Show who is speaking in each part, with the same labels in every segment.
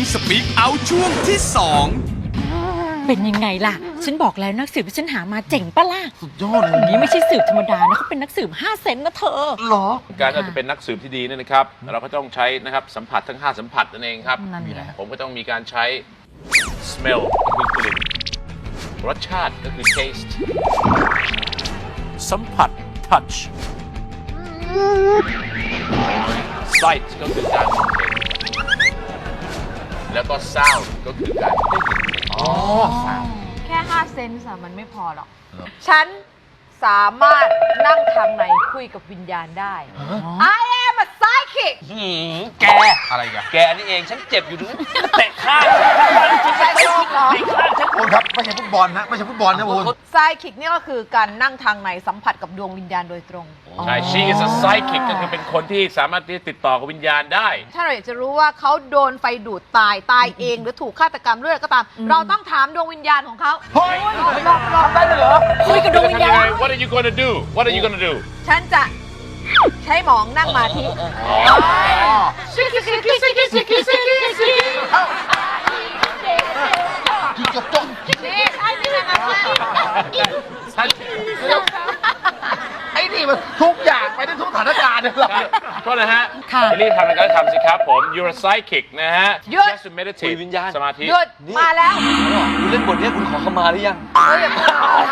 Speaker 1: Speak Out ช่วงที่
Speaker 2: เป็นยังไงล่ะ ฉันบอกแล้วนักสืบที่ฉันหามาเจ๋งปะล่ะ
Speaker 3: สุดยอดเลย
Speaker 2: นี่ไม่ใช่สืบธรรมดานะเขาเป็นนักสืบ5 เซนนะเธอ
Speaker 3: เหรอ
Speaker 4: การที่เราจะเป็นนักสืบที่ดีเนี่ยนะครับ เราก็ต้องใช้นะครับสัมผัสทั้ง 5 สัมผัสนั่นเองครับ
Speaker 2: นั่นไง
Speaker 3: มีอะไรฮะ
Speaker 4: ผมก็ต้องมีการใช้ smell ก็คือกลิ่นรสชาติก็คือ taste สัมผัส touch sight ก็คือการมองเห็นแล้วก็ sound ก็คือการได้ยิน
Speaker 3: อ๋อสาม
Speaker 5: แค่5 เซนส์อะมันไม่พอหรอก ฉันสามารถนั่งทางในคุยกับวิญญาณได้ I am a psychic
Speaker 6: แก
Speaker 3: อะไรกัน
Speaker 6: แกนี่เองฉันเจ็บอยู่ถึงเตะข้าง
Speaker 5: ใช่ชอบเหรอ
Speaker 3: คุณครับไม่ใช่ฟุตบอลนะไม่ใช่ฟุตบอลนะคุณ
Speaker 5: psychic นี่ก็คือการนั่งทางในสัมผัสกับดวงวิญญาณโดยตรง
Speaker 4: ใช่ she is a psychic ก็คือเป็นคนที่สามารถที่จะติดต่อกับวิญญาณได้
Speaker 5: ถ้าเราอยากจะรู้ว่าเขาโดนไฟดูดตายเองหรือถูกฆาตกรรมเลือดก็ตาม เราต้องถามดวงวิญญาณของเขา
Speaker 3: เฮ้ยทำได้เลยเหรอ
Speaker 2: คุยกับดวงวิญญาณ
Speaker 4: What are you gonna do What are you gonna do
Speaker 5: ฉันจะใช้หมองนั่งมาที่
Speaker 3: กินกับจ้อง
Speaker 5: นี่ใช่ไหมคะ
Speaker 3: ไอ้นี่มันทุกอย่างไปได้ทุกสถานการณ์เลยเหรอ
Speaker 4: โทษนะฮะ
Speaker 2: ค่ะ
Speaker 4: รีบทำอะไรก็ทำสิครับผม you're a psychic นะฮะ
Speaker 5: หยุด
Speaker 4: just to meditate
Speaker 6: คุยวิญญาณ
Speaker 4: สมาธิ
Speaker 5: หยุดมาแล้ว
Speaker 6: คุณเล่นบทนี้คุณขอขมาหรือยัง
Speaker 5: เฮ้ยอย่าพูด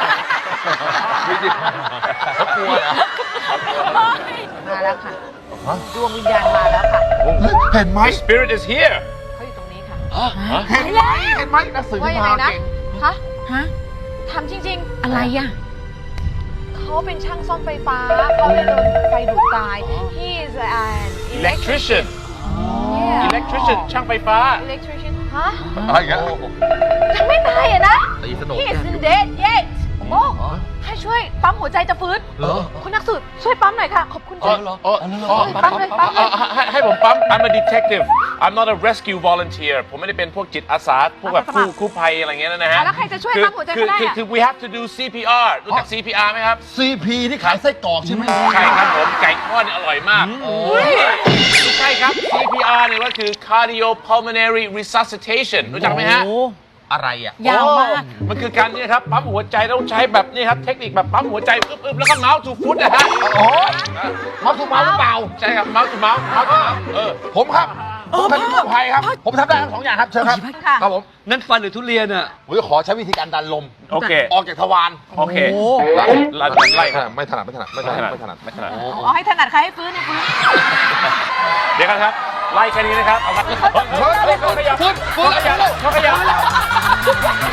Speaker 3: เขากลัวนะ
Speaker 5: มาแล้วค่ะ ดวงวิญญาณมาแล้วค่ะ
Speaker 3: เห็นไหม
Speaker 4: spirit is here
Speaker 5: เขาอยู่ตรงนี้ค่ะ
Speaker 3: เห็นไหมเห็นไหมหนักสือ
Speaker 5: ว่า
Speaker 3: ที่
Speaker 5: ยังไง
Speaker 3: มา
Speaker 5: นะ
Speaker 3: เก่ง
Speaker 5: ฮะ
Speaker 2: ฮะ
Speaker 5: ทำจริง
Speaker 2: อะไรอ่ะ
Speaker 5: ๆ เขาเป็นช่างซ่อมไฟฟ้า เขาเลยโดนไฟดูดตาย he is an
Speaker 4: electrician
Speaker 5: Yeah.
Speaker 4: electrician ช่างไฟฟ้า
Speaker 5: electrician ฮะ
Speaker 3: อะไรอย่างเงี้ย
Speaker 5: ยังไม่ตายอ่ะนะ
Speaker 3: ตีสนุก
Speaker 5: he isn't dead yet โอ้ให้ช่วยปั๊มหัวใจจะฟื้น
Speaker 3: เหรอ
Speaker 5: คุณนักสืบช่วยปั๊มหน่อยค่ะ ขอบคุณ
Speaker 4: อ๋อ
Speaker 5: จ้ะ
Speaker 4: อ๋ออ๋อ
Speaker 5: ปั๊มเลยปั๊มเลย
Speaker 4: ให้ผมปั๊ม I'm a detective I'm not a rescue volunteer ผมไม่ได้เป็นพวกจิตอาสา พวกแบบกู้ภัยอะไรเงี้ยนะฮะ
Speaker 5: แล้วใครจะช่วยปั๊มหัวใจเขาได้อะ
Speaker 4: คือ we have to do CPR รู้จัก CPR ไหมครับ
Speaker 3: CP ที่ขายไส้กรอกใช่ไหม
Speaker 4: ใช่ครับผมไก่ทอดเนี่ยอร่อยมากไม่ใช่ครับ CPR เนี่ยก็คือ cardiopulmonary resuscitation รู้จักไหมฮะ
Speaker 3: อะไรอ่ะ
Speaker 2: ยาวมาก
Speaker 4: มันคือการนี่ครับปั๊มหัวใจต้องใช้แบบนี้ครับเทคนิคแบบปั๊มหัวใจอึบๆแล้วก็เมาส์ทูฟุตนะฮะ
Speaker 3: โอ้ยมาถูกมาหรือเปล่า
Speaker 4: ใช่ครับเมาส์ทูเมาส์
Speaker 3: ผมครับผมเป็นกู้ภัยครับ ผมทำได้ทั้งสองอย่างครับเชิญครับ
Speaker 5: ค่ะ
Speaker 3: ครับผม
Speaker 6: นั่นฟันหรือทุเรียนอ่ะ
Speaker 3: ผมจะขอใช้วิธีการดันลม
Speaker 4: โอเค
Speaker 3: ออกจากทวาร
Speaker 4: โอเค
Speaker 2: โอ้
Speaker 4: ไล่ครับ
Speaker 3: ไม่ถนัดไม่ถนัดไม่ถนัดไม่ถนัด
Speaker 4: ไม่ถนัด
Speaker 5: อ๋อให้ถนัดใครให้ฟื้นให้ฟื้น
Speaker 4: เดี๋ยวกันครับไล่แค่นี้นะครับเอามาเขาขยับเขาขยับเขาขยับ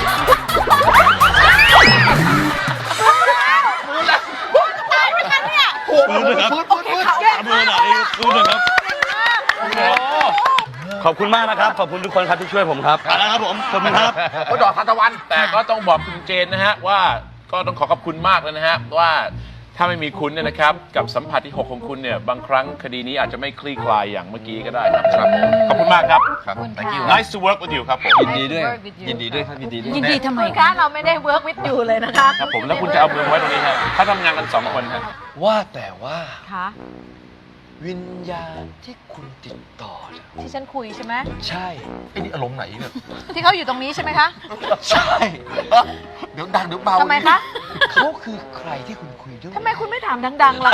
Speaker 6: ขอบคุณมากนะครับ ขอบคุณทุกคนครับที่ช่วยผมครับนะครับผม ขอบคุณครับ
Speaker 3: เขาดอกทานตะวัน
Speaker 4: แต่ก็ต้องบอกคุณเจนนะฮะว่าก็ต้องขอขอบคุณมากเลยนะฮะว่าถ้าไม่มีคุณเนี่ยนะครับกับสัมผัสที่ 6 ของคุณเนี่ยบางครั้งคดีนี้อาจจะไม่คลี่คลายอย่างเมื่อกี้ก็ได้ครับครับผมขอบคุณมากครับ
Speaker 3: ครับ
Speaker 5: thank you
Speaker 4: Nice to work with you ครับผม
Speaker 6: ยินดีด้วย ยินดีด้วยครับ ยินดีด้วย
Speaker 2: ยินดีทำไม
Speaker 5: คุณ
Speaker 2: คะ
Speaker 5: คะเราไม่ได้ work with you เลยนะคะ
Speaker 4: ครับผมแล้วคุณจะเอามือไว้ตรงนี้ฮะถ้าทำงานกัน 2 คนฮะ
Speaker 6: ว่าแต่ว่า
Speaker 5: ค่ะ
Speaker 6: วิญญาณที่คุณติดต่อเนี่ย
Speaker 5: ที่ฉันคุยใช่ไหม
Speaker 6: ใช่
Speaker 3: ไอ้นี่อารมณ์ไหนเนี่ย
Speaker 5: ที่เขาอยู่ตรงนี้ใช่ไหมคะ
Speaker 6: ใช่
Speaker 3: เดี๋ยวดังเดี๋ยวเบา
Speaker 5: ทำไมคะ
Speaker 6: เขาคือใครที่คุณคุยด้วย
Speaker 5: ทำไมคุณไม่ถามดังๆล่ะ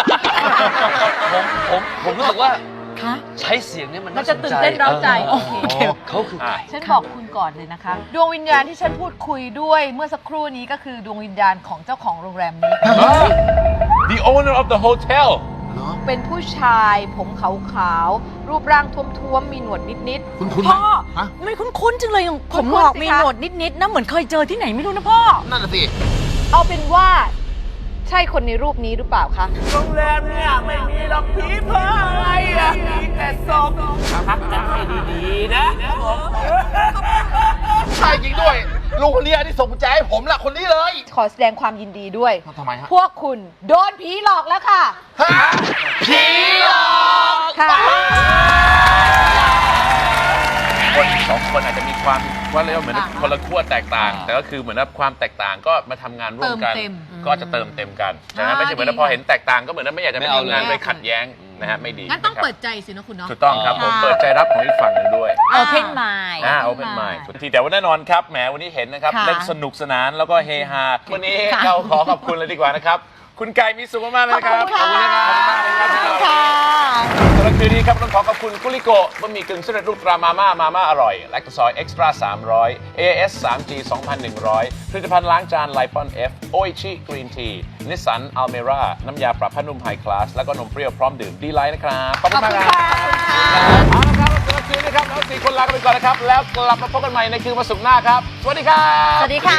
Speaker 6: ผมรู้สึกว่า
Speaker 2: คะ
Speaker 6: ใช้เสียงเนี่ยมัน
Speaker 5: มัน
Speaker 6: น่า
Speaker 5: จะ
Speaker 6: สน
Speaker 5: ตื่น
Speaker 6: ใจ
Speaker 5: เต้นเร้าใจ โอเค
Speaker 6: เขาคือใคร
Speaker 5: ฉันบอกคุณก่อนเลยนะคะ ดวงวิญญาณที่ฉันพูดคุยด้วยเมื่อสักครู่นี้ก็คือดวงวิญญาณของเจ้าของโรงแรมนี้
Speaker 4: The owner of the hotel
Speaker 5: เป็นผู้ชายผมขาวๆ รูปร่างท้วมๆ มีหนวดนิด
Speaker 3: คุณคุณ
Speaker 2: พ่อ
Speaker 3: ฮะ
Speaker 2: ไม่คุ้นๆจังเลยอย่างผม
Speaker 5: คุ้นๆ
Speaker 2: หงอก
Speaker 5: สิ
Speaker 2: มี
Speaker 5: คะ
Speaker 2: หนวดนิดๆนะเหมือนเคยเจอที่ไหนไม่รู้นะพ่อ
Speaker 3: นั่นน่ะสิ
Speaker 5: ๆ เอาเป็นว่า ใช่คนในรูปนี้หรือเปล่าคะ
Speaker 7: โรงแรมเนี่ยไม่มีหรอกผีเพออะไรอะมีแต่ศพพักกันให้ดีๆนะผม
Speaker 3: ใช่จริงด้วยลุงคนนี้ที่ส่งกุญแจให้ผมล่ะคนนี้เลย
Speaker 5: ขอแสดงความยินดีด้วย
Speaker 3: ทำไมฮะ
Speaker 5: พวกคุณโดนผีหลอกแล้วค่ะ
Speaker 3: ฮะผีหลอก
Speaker 5: ค่ะ
Speaker 4: คน2 คนอาจจะมีความว่าเรียกว่าเหมือนคนละขั้วแตกต่าง แต่ก็คือเหมือนว่าความแตกต่างก็มาทำงานร่วมกัน
Speaker 5: เติมเต็ม
Speaker 4: ก็จะเติมเต็มกันนะฮะไม่ใช่เหมือนว่าพอเห็นแตกต่างก็เหมือนว่าไม่อยากจะไปทำงานเลยขัดแย้งนะฮะไม่ดี
Speaker 5: งั้นต้อง
Speaker 4: ะครับ
Speaker 5: เปิดใจสินะคุณเนาะ
Speaker 4: ถูกต้องครับผมเปิดใจรับของอีกฝั่งหนึ่งด้วย
Speaker 2: Open Mind
Speaker 4: Open Mind ทีแต่ว่าแน่นอนครับแหมวันนี้เห็นนะครับ
Speaker 2: ค่ะ
Speaker 4: เล่นสนุกสนานแล้วก็เฮฮาวันนี้
Speaker 2: ค่ะ
Speaker 4: เราขอขอบคุณเลยดีกว่านะครับ คุณไก่มีสุขมากๆเลยนะครับ
Speaker 2: ขอบคุณค่ะ
Speaker 4: ขอบคุณมากเลยครับ
Speaker 2: ค่ะ
Speaker 4: สำหรับคืนนี้ครับต้องขอขอบคุณกุลิโกะบะหมี่กึ่งสำเร็จรูปตรามาม่าอร่อยแลคโตซอยเอ็กซ์ตร้า300 AS 3G 2100ผลิตภัณฑ์ล้างจานไลปอน F โออิชิกรีนทีนิสสันอัลเมร่าน้ำยาปรับผ้านุ่มไฮคลาสแล้วก็นมเปรี้ยวพร้อมดื่มดีไลท์นะครับขอบคุณมากครับเอาละครับสำหรับคืนนี้ครับเราสี่คนลากันไปก่อนนะครับแล้วกลับมาพบกันใหม่ในคืนวันศุกร์หน้าครับสวัสดีครับ
Speaker 2: สวัสดีค่ะ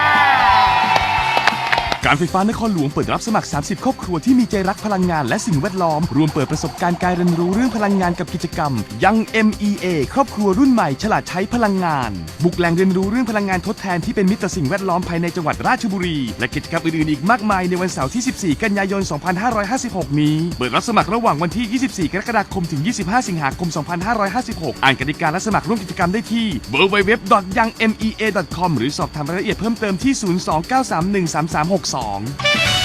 Speaker 1: การไฟฟ้านครหลวงเปิดรับสมัคร 30 ครอบครัวที่มีใจรักพลังงานและสิ่งแวดล้อม รวมเปิดประสบการณ์การเรียนรู้เรื่องพลังงานกับกิจกรรมยัง MEA ครอบครัวรุ่นใหม่ฉลาดใช้พลังงาน บุกแหล่งเรียนรู้เรื่องพลังงานทดแทนที่เป็นมิตรต่อสิ่งแวดล้อมภายในจังหวัดราชบุรี และกิจกรรมอื่นๆอีกมากมายในวันเสาร์ที่ 14 กันยายน 2556 นี้ เปิดรับสมัครระหว่างวันที่ 24 กรกฎาคมถึง 25 สิงหาคม 2556 อ่านกติกาและสมัครร่วมกิจกรรมได้ที่ www.yangmea.com หรือสอบถามรายละเอียดเพิ่มเติมที่ 029313362